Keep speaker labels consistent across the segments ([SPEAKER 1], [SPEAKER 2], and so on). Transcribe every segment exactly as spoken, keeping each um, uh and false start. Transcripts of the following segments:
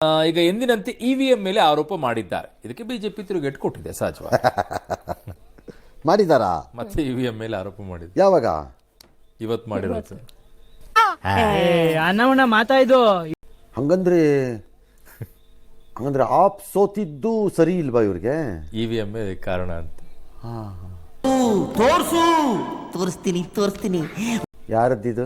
[SPEAKER 1] ಈಗ ಎಂದಿನಂತೆ ಇವಿಎಂ ಮೇಲೆ ಆರೋಪ ಮಾಡಿದ್ದಾರೆ. ಇದಕ್ಕೆ ಬಿಜೆಪಿ ತಿರುಗೇಟು ಕೊಟ್ಟಿದೆ ಸಹಜವಾಗಿ.
[SPEAKER 2] ಮಾಡಿದಾರಾ?
[SPEAKER 1] ಮತ್ತೆ ಇವಿಎಂ ಮೇಲೆ ಆರೋಪ ಮಾಡಿದ್ರು.
[SPEAKER 2] ಯಾವಾಗ?
[SPEAKER 1] ಇವತ್ತು ಮಾಡಿರೋದು.
[SPEAKER 3] ಅನ್ನವನ್ನ ಮಾತಾಯ್ದು
[SPEAKER 2] ಹಂಗಂದ್ರೆ ಹಂಗಂದ್ರೆ ಆಪ್ ಸೋತಿದ್ದು ಸರಿ ಇಲ್ವಾ ಇವ್ರಿಗೆ?
[SPEAKER 1] ಇವಿಎಂ ಕಾರಣ ಅಂತ.
[SPEAKER 4] ತೋರ್ಸು ತೋರಿಸ್ತೀನಿ ತೋರಿಸ್ತೀನಿ.
[SPEAKER 2] ಯಾರದ್ದಿದು?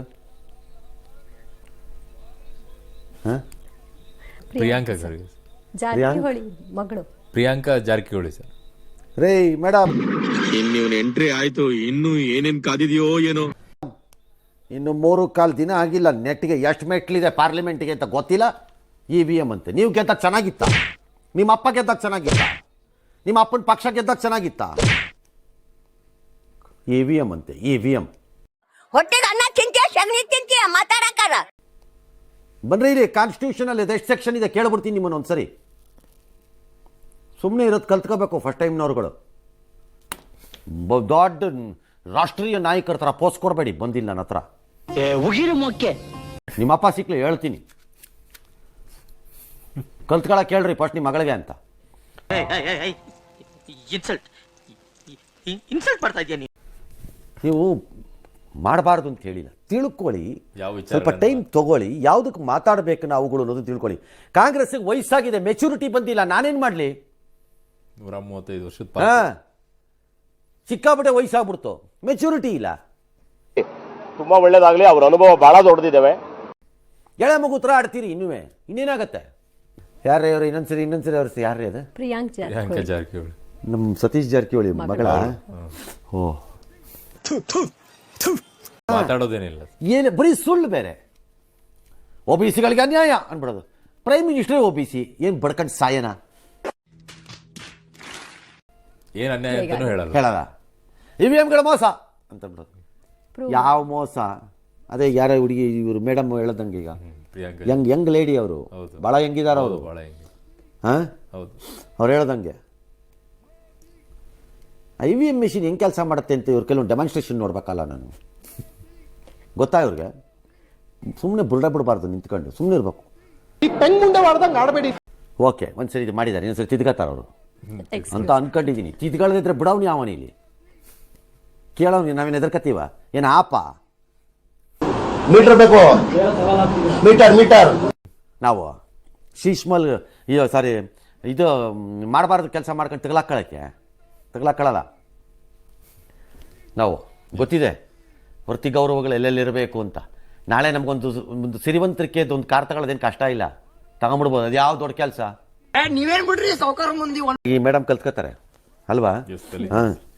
[SPEAKER 1] ಪ್ರಿಯಾಂಕಾ ಖರ್ಗೆ
[SPEAKER 5] ಜಾರಕಿಹೊಳಿ ಮಗಳು
[SPEAKER 1] ಪ್ರಿಯಾಂಕಾ ಜಾರಕಿಹೊಳಿ ಸರ್.
[SPEAKER 2] ರೇ ಮೇಡಮ್,
[SPEAKER 6] ಇನ್ನು ಎಂಟ್ರಿ ಆಯ್ತು, ಇನ್ನು ಏನೇನ್ ಕಾದಿದೆಯೋ ಏನೋ.
[SPEAKER 2] ಇನ್ನು ಮೂರು ಕಾಲು ದಿನ ಆಗಿಲ್ಲ, ನೆಟ್ಗೆ ಎಷ್ಟು ಮೆಟ್ಲಿದೆ ಪಾರ್ಲಿಮೆಂಟ್ಗೆ ಅಂತ ಗೊತ್ತಿಲ್ಲ. ಇ ವಿ ಎಮ್ ಅಂತೆ. ನೀವು ಗೆದ್ದಾಗ ಚೆನ್ನಾಗಿತ್ತ? ನಿಮ್ಮ ಅಪ್ಪ ಗೆದ್ದಾಗ ಚೆನ್ನಾಗಿತ್ತ? ನಿಮ್ಮ ಅಪ್ಪನ ಪಕ್ಷ ಗೆದ್ದಾಗ ಚೆನ್ನಾಗಿತ್ತ? ಇ ವಿ ಎಮ್ ಅಂತೆ, ಇ ವಿ ಎಮ್.
[SPEAKER 7] ಹೊಟ್ಟೆಗೆ ಅನ್ನ ತಿಂತೀಯ, ಸಗಣಿ ತಿಂತೀಯ, ಮಾತಾಡಕ್ಕಾರ
[SPEAKER 2] ಬನ್ರಿ ಇಲ್ಲಿ. ಕಾನ್ಸ್ಟಿಟ್ಯೂಷನ್ ಅಲ್ಲಿ ಎಷ್ಟು ಸೆಕ್ಷನ್ ಇದೆ ಕೇಳ್ಬಿಡ್ತೀನಿ ನಿಮ್ಮನ್ನು ಒಂದ್ಸರಿ. ಸುಮ್ಮನೆ ಇರೋದು ಕಲ್ತ್ಕೋಬೇಕು ಫಸ್ಟ್ ಟೈಮ್ನವ್ರುಗಳು. ದೊಡ್ಡ ರಾಷ್ಟ್ರೀಯ ನಾಯಕರ ಥರ ಪೋಸ್ಟ್ ಕೊಡಬೇಡಿ ಬಂದಿಲ್ಲ ನನ್ನ ಹತ್ರ. ನಿಮ್ಮಪ್ಪ ಸಿಕ್ಲಿ ಹೇಳ್ತೀನಿ, ಕಲ್ತ್ಕೊಳಕ್ ಕೇಳ್ರಿ ಫಸ್ಟ್ ನಿಮ್ಮ ಮಗಳಿಗೆ ಅಂತ. ನೀವು ಮಾಡಬಾರ್ದು ಅಂತ ಹೇಳಿಲ್ಲ, ತಿಳ್ಕೊಳ್ಳಿ. ಸ್ವಲ್ಪ ಟೈಮ್ ತಗೊಳ್ಳಿ, ಯಾವುದಕ್ಕೆ ಮಾತಾಡಬೇಕು ನಾವುಗಳು ಅನ್ನೋದು ತಿಳ್ಕೊಳ್ಳಿ. ಕಾಂಗ್ರೆಸ್ಗೆ ವಯಸ್ಸಾಗಿದೆ, ಮೆಚುರಿಟಿ ಬಂದಿಲ್ಲ, ನಾನೇನು ಮಾಡಲಿ?
[SPEAKER 1] ನೂರ ಮೂವತ್ತೈದು ವರ್ಷದ
[SPEAKER 2] ಹಾಂ, ಸಿಕ್ಕಾಬಿಟ್ಟೆ ವಯಸ್ಸಾಗ್ಬಿಡ್ತು, ಮೆಚುರಿಟಿ ಇಲ್ಲ.
[SPEAKER 8] ತುಂಬಾ ಒಳ್ಳೇದಾಗ್ಲಿ, ಅವ್ರ ಅನುಭವ ಬಹಳ ದೊಡ್ಡದಿದ್ದಾವೆ.
[SPEAKER 2] ಎಳೆ ಮಗು ಥರ ಆಡ್ತೀರಿ ಇನ್ನುವೇ, ಇನ್ನೇನಾಗತ್ತೆ? ಯಾರೇ ಅವರು? ಇನ್ನೊಂದ್ಸರಿ ಇನ್ನೊಂದ್ಸರಿ ಅವ್ರ ಯಾರೇ ಅದು?
[SPEAKER 1] ಪ್ರಿಯಾಂಕಾ ಜಾರಕಿಹೊಳಿ,
[SPEAKER 2] ನಮ್ಮ ಸತೀಶ್ ಜಾರಕಿಹೊಳಿ ಮಗಳ. ಓ,
[SPEAKER 1] ಮಾತಾಡೋದೇನಿಲ್ಲ,
[SPEAKER 2] ಏನು ಬರೀ ಸುಳ್ಳು. ಬೇರೆ ಒ ಬಿ ಸಿಗಳಿಗೆ ಅನ್ಯಾಯ ಅನ್ಬಿಡೋದು. Prime minister O B C ಏನು ಬಡ್ಕಂಡು ಸಾಯನ
[SPEAKER 1] ಏನ್ ಅನ್ಯಾಯ ಅಂತಾನೂ ಹೇಳಲ್ಲ
[SPEAKER 2] ಹೇಳಲ್ಲ. ಇ ವಿ ಎಮ್ಗಳ ಮೋಸ ಅಂತ ಬಿಡೋದು. ಯಾವ ಮೋಸ? ಅದೇ ಯಾರ ಹುಡುಗಿ ಇವರು ಮೇಡಮ್ ಹೇಳದಂಗೆ, ಈಗ ಯಂಗ್ ಯಂಗ್ ಲೇಡಿ ಅವರು, ಭಾಳ ಹೆಂಗಿದಾರ ಅವರು. ಹಾಂ,
[SPEAKER 1] ಹೌದು,
[SPEAKER 2] ಅವ್ರು ಹೇಳ್ದಂಗೆ ಐ ವಿ ಎಮ್ ಮಿಷಿನ್ ಹೆಂಗೆ ಕೆಲಸ ಮಾಡುತ್ತೆ ಅಂತ ಇವ್ರ ಕೆಲವೊಂದು ಡೆಮಾನ್ಸ್ಟ್ರೇಷನ್ ನೋಡ್ಬೇಕಲ್ಲ ನಾನು. ಗೊತ್ತಾ ಇವ್ರಿಗೆ? ಸುಮ್ಮನೆ ಬುರ್ಡ ಬಿಡಬಾರ್ದು, ನಿಂತ್ಕೊಂಡು ಸುಮ್ಮನೆ ಇರಬೇಕು. ಓಕೆ, ಒಂದ್ಸರಿ ಇದು ಮಾಡಿದ್ದಾರೆ, ಇನ್ನೊಂದ್ಸರಿ ತಿದ್ಕೋತಾರೆ ಅವರು ಅಂತ ಅನ್ಕೊಂಡಿದ್ದೀನಿ. ತಿದ್ಕೊಳ್ಳದಿದ್ರೆ ಬಿಡವ್ನಿ ಅವನಿ ಇಲ್ಲಿ ಕೇಳೋನಿ. ನಾವೇನು ಎದರ್ಕತ್ತೀವ? ಏನು ಆಪ?
[SPEAKER 8] ಮೀಟರ್ ಬೇಕು, ಮೀಟರ್ ಮೀಟರ್.
[SPEAKER 2] ನಾವು ಶೀಶ್ಮಲ್ ಇದು ಸಾರಿ ಇದು ಮಾಡಬಾರ್ದು ಕೆಲಸ ಮಾಡ್ಕೊಂಡು ತಗಲಾಕೊಳ್ಳೋಕ್ಕೆ ತಗಲಾಕೊಳ್ಳಲ್ಲ ನಾವು. ಗೊತ್ತಿದೆ ವೃತ್ತಿ ಗೌರವಗಳು ಎಲ್ಲೆಲ್ಲಿರಬೇಕು ಅಂತ. ನಾಳೆ ನಮಗೊಂದು ಒಂದು ಸಿರಿವಂತರಿಕೆದು ಒಂದು ಕಾರ್ ತಗೊಳ್ಳೋದೇನು ಕಷ್ಟ ಇಲ್ಲ, ತಗೊಂಬಿಡ್ಬೋದು. ಅದು ಯಾವ ದೊಡ್ಡ ಕೆಲಸ?
[SPEAKER 4] ನೀವೇನ್ ಬಿಡ್ರಿ ಸಾವುಕಾರ ಮಂದಿ.
[SPEAKER 2] ಈ ಮೇಡಮ್ ಕಲ್ತ್ಕೋತಾರೆ ಅಲ್ವಾ? ಹಾಂ.